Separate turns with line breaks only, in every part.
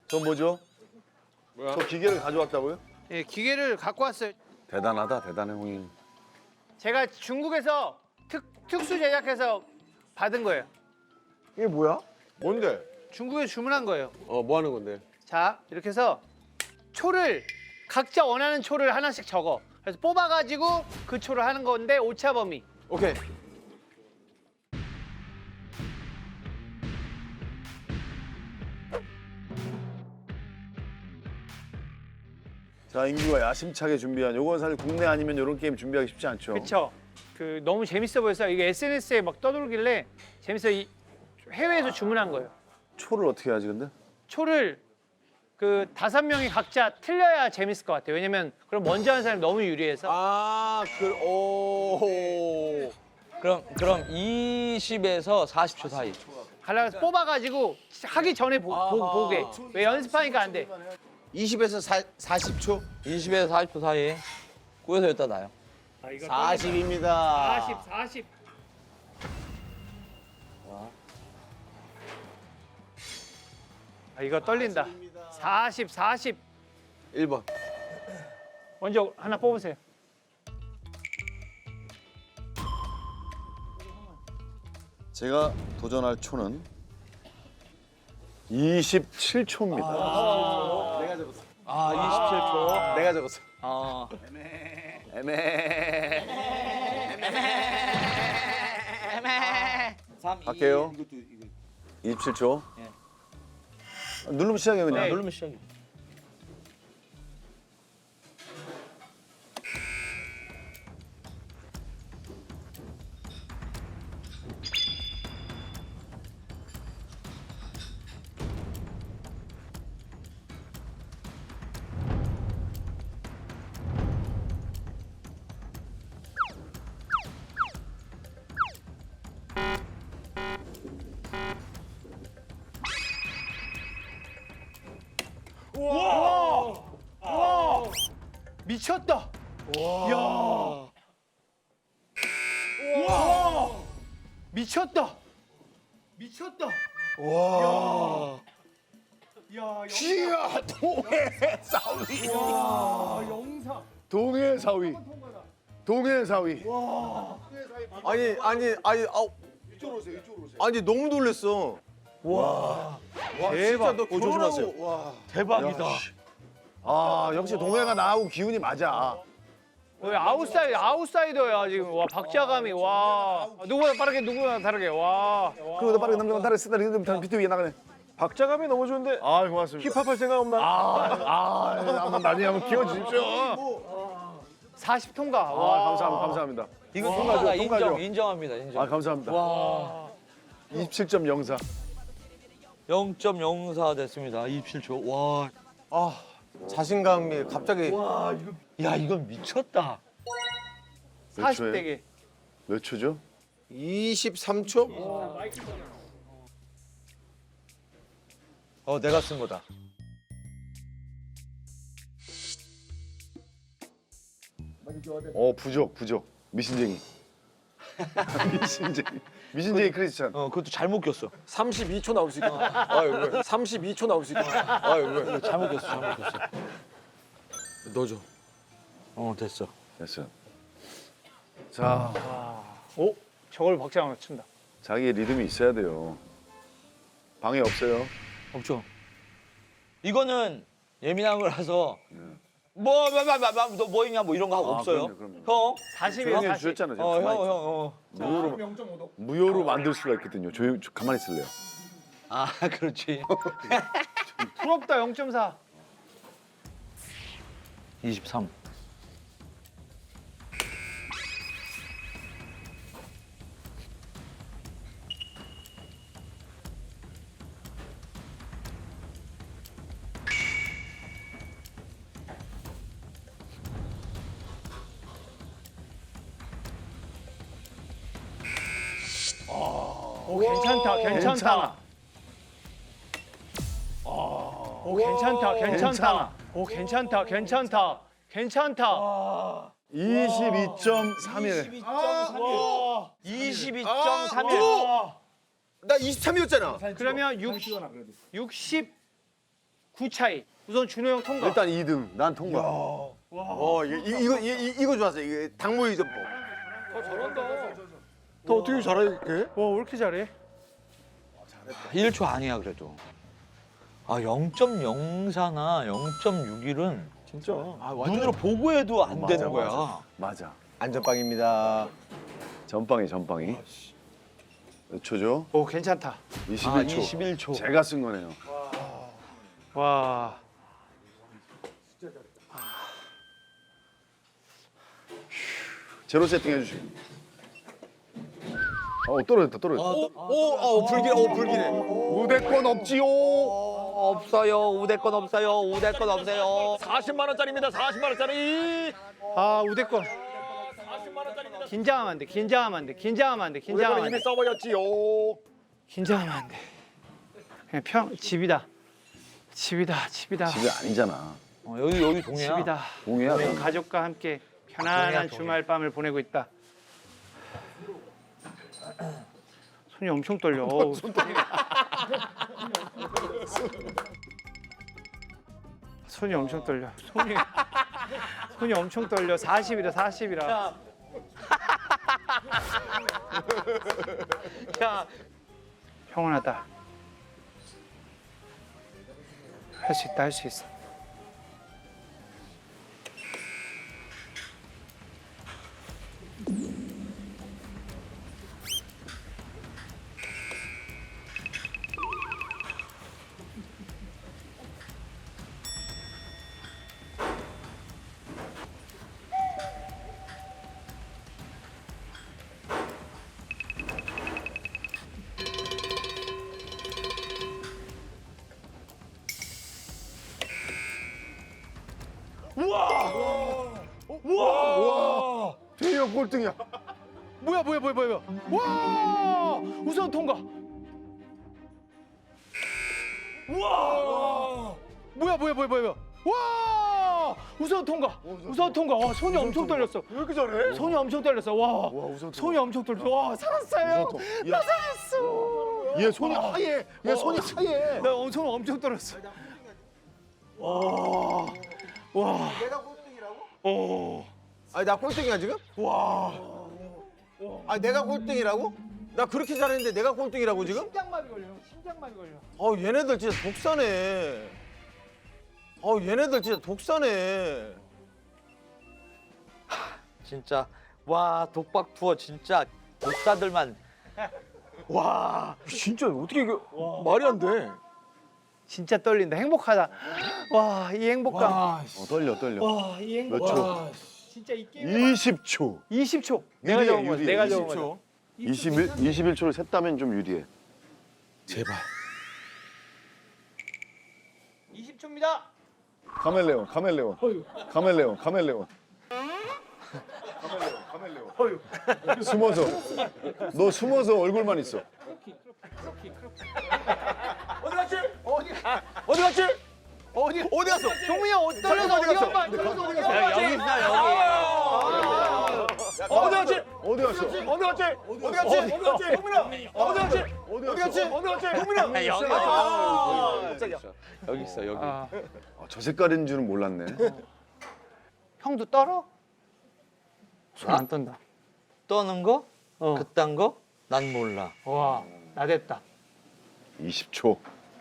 저 뭐죠?
뭐야?
저 기계를 가져왔다고요?
예, 기계를 갖고 왔어요.
대단하다, 대단해, 형님.
제가 중국에서 특수 제작해서 받은 거예요.
이게 뭐야?
뭔데?
중국에서 주문한 거예요.
뭐 하는 건데?
자, 이렇게 해서 초를 각자 원하는 초를 하나씩 적어. 그래서 뽑아가지고 그 초를 하는 건데 오차 범위.
오케이.
자, 인규가 야심차게 준비한 요건 사실 국내 아니면 이런 게임 준비하기 쉽지 않죠.
그렇죠. 그 너무 재밌어 보여서 이게 SNS에 막 떠돌길래 재밌어 해외에서 주문한 거예요.
초를 어떻게 하지 근데?
초를 그 5명이 각자 틀려야 재밌을 것 같아요. 왜냐면 그럼 먼저 하는 사람이 너무 유리해서.
오.
그럼 20에서 40초 사이.
하려고 뽑아가지고 하기 전에 보게. 왜 연습하니까 안 돼.
20에서 40초?
20에서 40초 사이. 꾸여서 여기다 놔요.
40입니다.
40. 아, 이거 떨린다. 40.
1번.
먼저 하나 뽑으세요.
제가 도전할 초는 27초입니다.
아, 27초.
내가 적었어.
아.
애매.
삼,
갈게요. 27초.
예.
누르면 시작해 그냥.
네.
누르면 시작이.
미쳤다. 이야. 와. 미쳤다. 와. 야,
이야 동해 사위.
영상.
동해 사위. 동해 사위.
아니, 아니 너무 놀랬어.
와.
대박. 너
조심하세요.
와.
대박이다. 아 역시 동해가 나하고 기운이 맞아.
아웃사이더야 지금. 와, 박자감이 와. 누구보다 빠르게 누구보다 다르게. 와.
그리고 더 빠르게 남자가 다른 쓰다 리듬 비트 위에 나가네.
박자감이 너무 좋은데.
아 고맙습니다.
힙합 할 생각 없나?
한번 나중에 한번 키워주십시오.
40 통과.
아
와.
감사합니다.
이거
통과죠,
통과다.
통과죠.
인정합니다. 인정.
아 감사합니다.
와.
27.04.
0.04 됐습니다. 27초. 와.
자신감이 갑자기.
야, 이건 미쳤다.
몇
40
초예요?
대게.
몇 초죠?
23초?
내가 쓴 거다.
부족. 미신쟁이. 미신쟁이 크리스찬.
그것도 잘못 꼈어.
32초 나올 수 있구나. 아유, 왜? 32초 나올 수 있구나. 아유, 왜?
잘못 꼈어.
넣어줘.
됐어.
됐어요. 자,
오, 저걸 박자가 맞춘다.
자기의 리듬이 있어야 돼요. 방해 없어요.
없죠. 이거는 예민한 거라서 너 있냐 뭐 이런 거 하고 없어요.
그럼요.
형.
40이에요.
조용히
40.
해주셨잖아요.
형.
무효로 만들 수가 있거든요. 가만히 있을래요.
아, 그렇지.
부럽다. 0.4.
23.
오, 괜찮다.
괜찮아.
오, 괜찮다. 오, 괜찮다.
22.31.
22.31.
나 23이었잖아.
그러면 69 9 차이. 우선 준호 형 통과.
일단 2등. 난 통과.
이거 좋았어. 이게 닭모이 전법.
너 어떻게 잘해? 와, 왜 이렇게 잘해?
1초 아니야 그래도. 아 0.04나 0.61은
진짜.
눈으로 보고 해도 안
맞아,
되는 거야.
맞아.
안전빵입니다.
전빵이. 몇 초죠?
오, 괜찮다.
21초.
아 21초.
제가 쓴 거네요.
와.
제로 세팅 해주시고. 떨어졌다.
불길해.
우대권 없지요.
없어요. 우대권 없어요. 우대권 없어요.
40만 원짜리입니다. 40만 원짜리.
아, 우대권. 긴장하면 안 돼. 긴장하면 안 돼. 긴장하면 안 돼. 긴장하면 안 돼.
써버렸지요.
긴장하면 안 돼. 그냥 집이다. 집이다.
집이 아니잖아.
여기 동해야.
집이다.
동해야.
우리 가족과 함께 편안한
동해야.
주말 밤을 보내고 있다. 손이 엄청 떨려. 어우. 손이 엄청 떨려. 손이 엄청 떨려. 40이라 40이라.
야,
형원하다. 할 수 있다. 할 수 있어.
대형 꼴등이야.
뭐야? 와! 우선 통과. 와! 뭐야? 와! 우선 통과. 우선 통과. 와, 손이 엄청 떨렸어.
왜 이렇게 잘해?
손이 엄청 떨렸어. 와.
우선
손이 엄청 떨렸어. 와, 살았어요. 나 살았어.
얘 손이 하얘. 얘 손이 하얘.
나 손 엄청 떨렸어. 와.
내가 꼴등이라고?
오.
아니 나 꼴등이야 지금? 와. 아니 내가 꼴등이라고? 나 그렇게 잘했는데 내가 꼴등이라고 지금?
심장마비 걸려. 심장마비 걸려.
얘네들 진짜 독사네. 얘네들 진짜 독사네.
진짜 와 독박 투어 진짜 독사들만.
와, 진짜 어떻게 이게 말이 안 돼.
진짜 떨린다. 행복하다. 와, 이 행복감.
떨려.
와, 이 행복.
몇 초?
진짜 이 게임.
20초.
20초.
유리해,
내가 적은 거야.
유리해.
내가 적은
20초.
거야.
21초를 셌다면 좀 유리해.
제발.
20초입니다.
카멜레온. 숨어서. 너 숨어서 얼굴만 있어.
어디 갔지?
어디 갔어?
동민이 형 떨려서 어디 갔어?
여기 있어 여기.
어디 갔지?
어디 갔어?
어디 갔지? 어디 갔지? 동민아. 어디 갔지?
어디 갔어?
어디 갔지? 동민아.
여기 있어 여기.
저 색깔인 줄은 몰랐네.
형도 떨어? 손 안 떤다.
떠는 거?
어.
그딴 거? 난 몰라.
와, 나 됐다.
20초.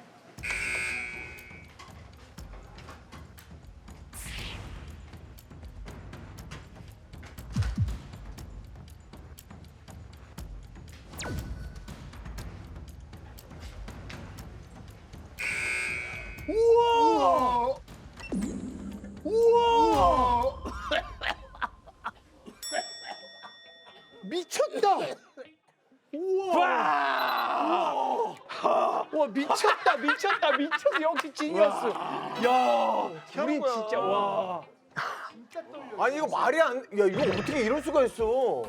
미쳤다. 와, 미쳤다. 역시 지니어스. 야, 우리 진짜 와.
아니 이거 말이 안. 야 이거 어떻게 이럴 수가 있어?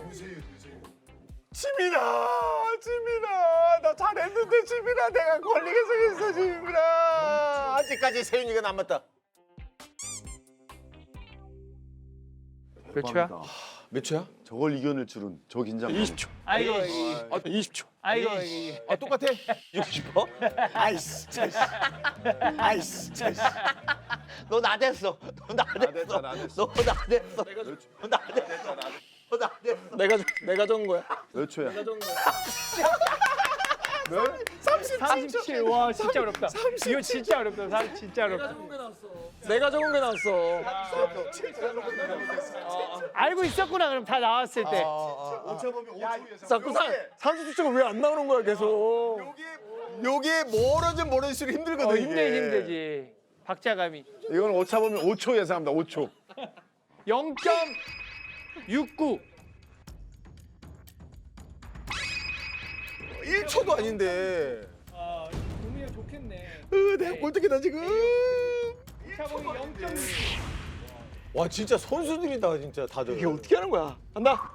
지민아, 나 잘했는데 지민아, 내가 걸리게 생겼어, 지민아.
아직까지 세윤이가 남았다.
몇 초야?
몇 초야?
저걸 이겨낼 줄은 저 긴장.
20초.
아이고,
아 20초.
아이고.
아 똑같아?
이기고 싶어?
아이씨 아이씨
너 나댔어. 너 나댔어.
나
너 나댔어. 너 나댔어. 너 나댔어.
내가 적은 거야.
몇 초야?
37. 와, 진짜 어렵다. 이거 진짜 어렵다. 진짜 어렵다.
내가 적은 게 나왔어.
알고 있었구나, 그럼 다 나왔을 때.
자꾸 30초가 왜 안 나오는 거야 계속.
요게 멀어지면 멀어질수록 힘들거든 이게.
힘들지. 박자감이.
이건 오차 보면 5초 예상합니다. 5초.
0.69.
1초도 아닌데.
동의가 좋겠네.
내가 꼴등이다 지금.
차범이 0.6.
와 진짜 선수들이다 진짜 다들.
이게 어떻게 하는 거야? 간다.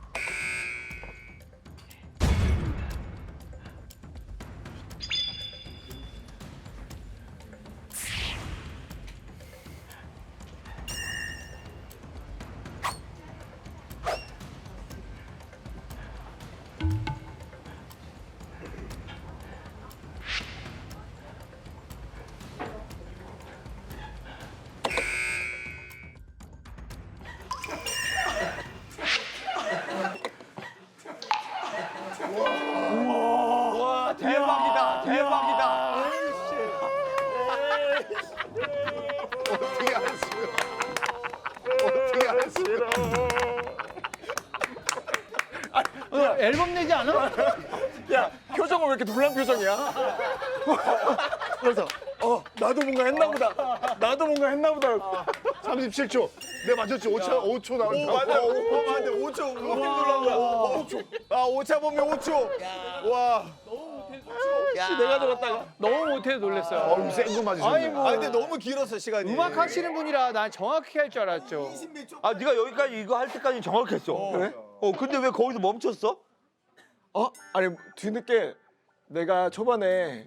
대박이다. 대박이다.
어떻게 알았어요? 어떻게 알았어요?
앨범 내지 않아?
야 표정은 왜 이렇게 놀란 표정이야? 그래서 나도 뭔가 했나 보다. 나도 뭔가 했나 보다.
37초. 내 맞췄지. 5초 나온다.
오 맞아. 오 맞아. 5초. 그거 놀란 거야. 5초. 아 오차 보면 5초. 와.
내가 적었다가.
너무 못해서 놀랐어요.
어우, 센거 맞으셨네.
아니, 뭐.
아 근데 너무 길었어 시간이.
음악 하시는 분이라 난 정확히 할 줄 알았죠.
아 네가 여기까지 이거 할 때까지 정확했어.
그래?
근데 왜 거기서 멈췄어?
아니 뒤늦게 내가 초반에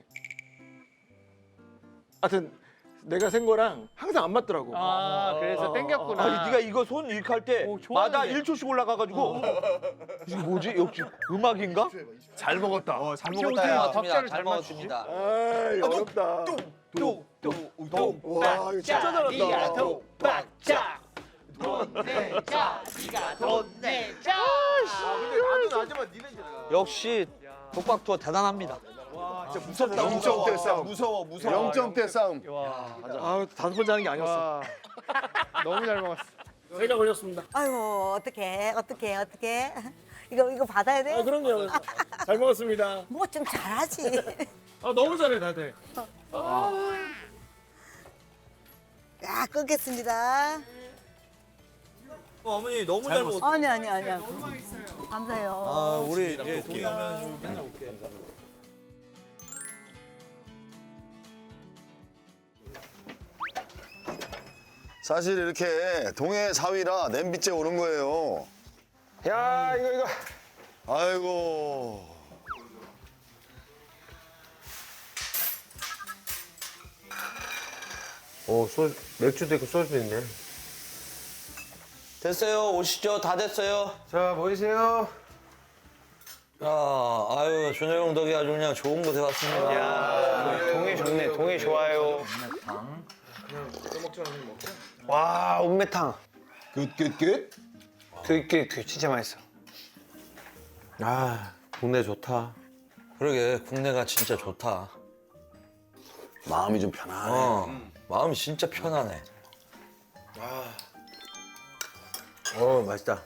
하여튼 내가 센 거랑 항상 안 맞더라고.
아, 그래서 땡겼구나.
아니 네가 이거 손 이렇게 할 때
오,
마다
좋아하는데.
1초씩 올라가가지고 이게 뭐지? 역시 음악인가?
잘 먹었다.
잘
어떻게
먹었다. 야.
박자를 잘 맞추지?
아이 어렵다.
와 이거 진짜 잘한다.
독박자. 돈 내자. 네가 돈 내자.
근데 나도 나지만 니네
역시 독박 투어 대단합니다.
진짜 무섭다.
0점대 싸움.
무서워.
0점대 싸움.
와.
아 5번째 하는 게 아니었어.
와. 너무 잘 먹었어.
아이고 어떡해 이거 받아야 돼?
그럼요. 잘 먹었습니다.
뭐 좀 잘하지.
너무 잘해 다들.
야 끊겠습니다.
어머니 너무 잘 먹었어.
아니야 감사해요.
우리 이제 동의하면 맨날 올게.
사실 이렇게 동해 4위라 냄비째 오른 거예요.
야 이거.
아이고.
맥주도 있고 소주도 있네.
됐어요. 오시죠. 다 됐어요.
자 모이세요.
야, 아유 준호 형 덕에 아주 그냥 좋은 곳에 왔습니다.
동해 좋네. 동해 좋아요. 와, 옥매탕.
끝.
그 진짜 맛있어.
아 동네 좋다.
그러게 국내가 진짜 좋다.
마음이 좀 편안해.
마음이 진짜 편하네.
맛있다.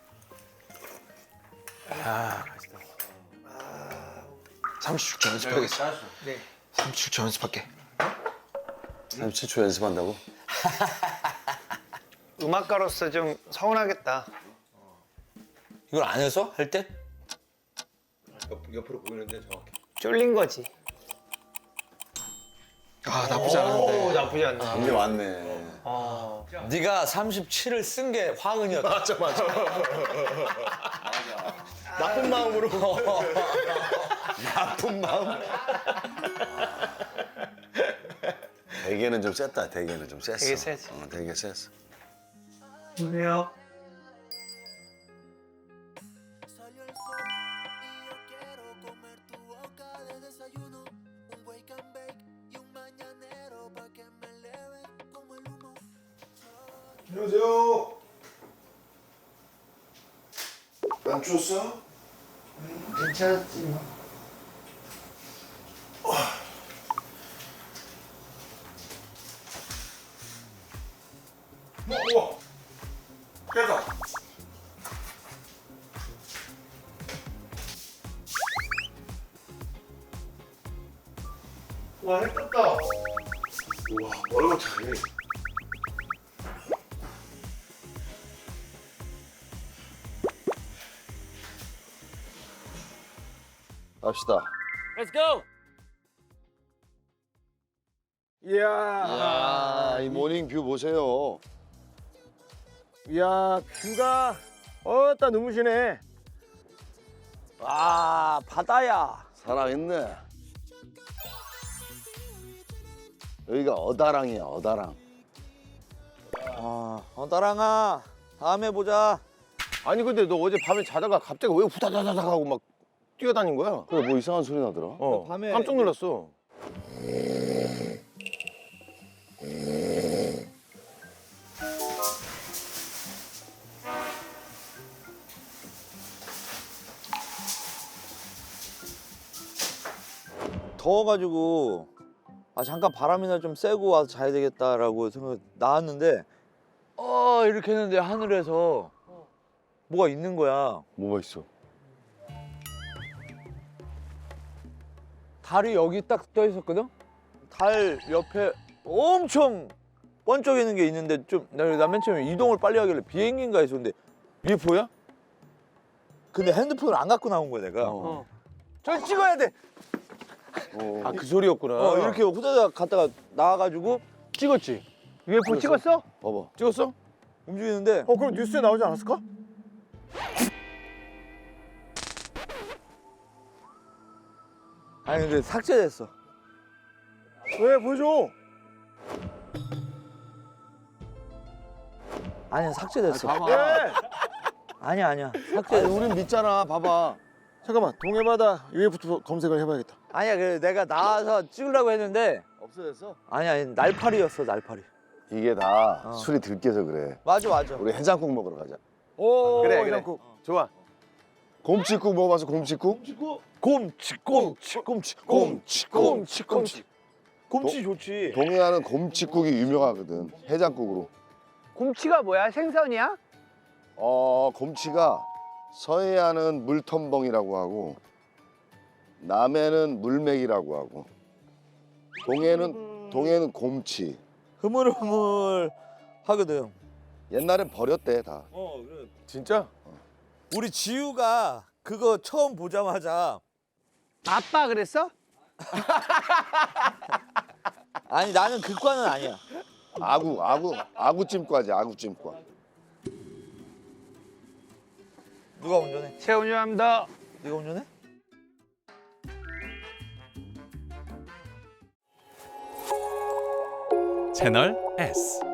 30초 연습하겠어. 네. 30초 연습할게.
37초 연습한다고?
음악가로서 좀 서운하겠다.
이걸 안 해서 할 때?
옆으로 보이는데 정확히.
쫄린 거지.
아 나쁘지 않은데.
오, 나쁘지 않네.
이제 왔네.
네가 37을 쓴 게 화근이었다.
맞아. 나쁜 마음으로.
나쁜 마음. 대게는 좀 셌다. 대게는 좀 셌어.
되게 세지.
되게 셌어.
왜요?
안녕하세요. 안 추웠어?
괜찮았지 뭐.
우와. 깨다.
와 했었다.
우와, 얼굴 잘해. 갑시다.
Let's go. 이야.
야, 이 모닝 뷰 보세요.
이야 뷰가 어따 눈부시네.
아, 바다야.
살아있네. 여기가 어다랑이야, 어다랑.
따랑아, 다음에 보자.
아니 근데 너 어제 밤에 자다가 갑자기 왜 후다다다닥 하고 막 뛰어다닌 거야?
그래, 뭐 이상한 소리 나더라.
어.
밤에
깜짝 놀랐어.
더워가지고 잠깐 바람이나 좀 쐬고 와서 자야 되겠다라고 생각 나왔는데 이렇게 했는데 하늘에서 뭐가 있는 거야.
뭐가 있어?
달이 여기 딱 떠 있었거든. 달 옆에 엄청 번쩍이는 게 있는데 나 맨 처음에 이동을 빨리 하길래 비행기인가 했었는데 UFO야? 근데 핸드폰을 안 갖고 나온 거야 내가. 저 찍어야 돼.
아 그 소리였구나.
이렇게 후다닥 갔다가 나와가지고
찍었지.
UFO 찍었어?
봐봐.
찍었어?
움직이는데
그럼 뉴스에 나오지 않았을까?
아니 근데 삭제됐어.
왜 보여줘?
아니야 삭제됐어.
왜?
아니야
아니
삭제.
우린 믿잖아. 봐봐. 잠깐만 동해바다 UFO 검색을 해봐야겠다.
아니야 그래 내가 나와서 찍으려고 했는데
없어졌어?
아니야 날파리였어 날파리.
이게 다 술이 들깨서 그래.
맞아.
우리 해장국 먹으러 가자.
오
그래.
해장국. 좋아.
곰치국 먹어봤어, 곰치국?
곰치 좋지.
동해안은 곰치국이 유명하거든. 해장국으로.
곰치가 뭐야? 생선이야?
곰치가 서해안은 물텀벙이라고 하고 남해는 물맥이라고 하고 동해는 곰치.
흐물흐물 하거든.
옛날엔 버렸대 다.
그래.
진짜?
우리 지우가 그거 처음 보자마자
아빠 그랬어?
아니 나는 그과는 아니야.
아구찜과지, 아구찜과.
누가 운전해?
제가 운전합니다.
네가 운전해?
채널 S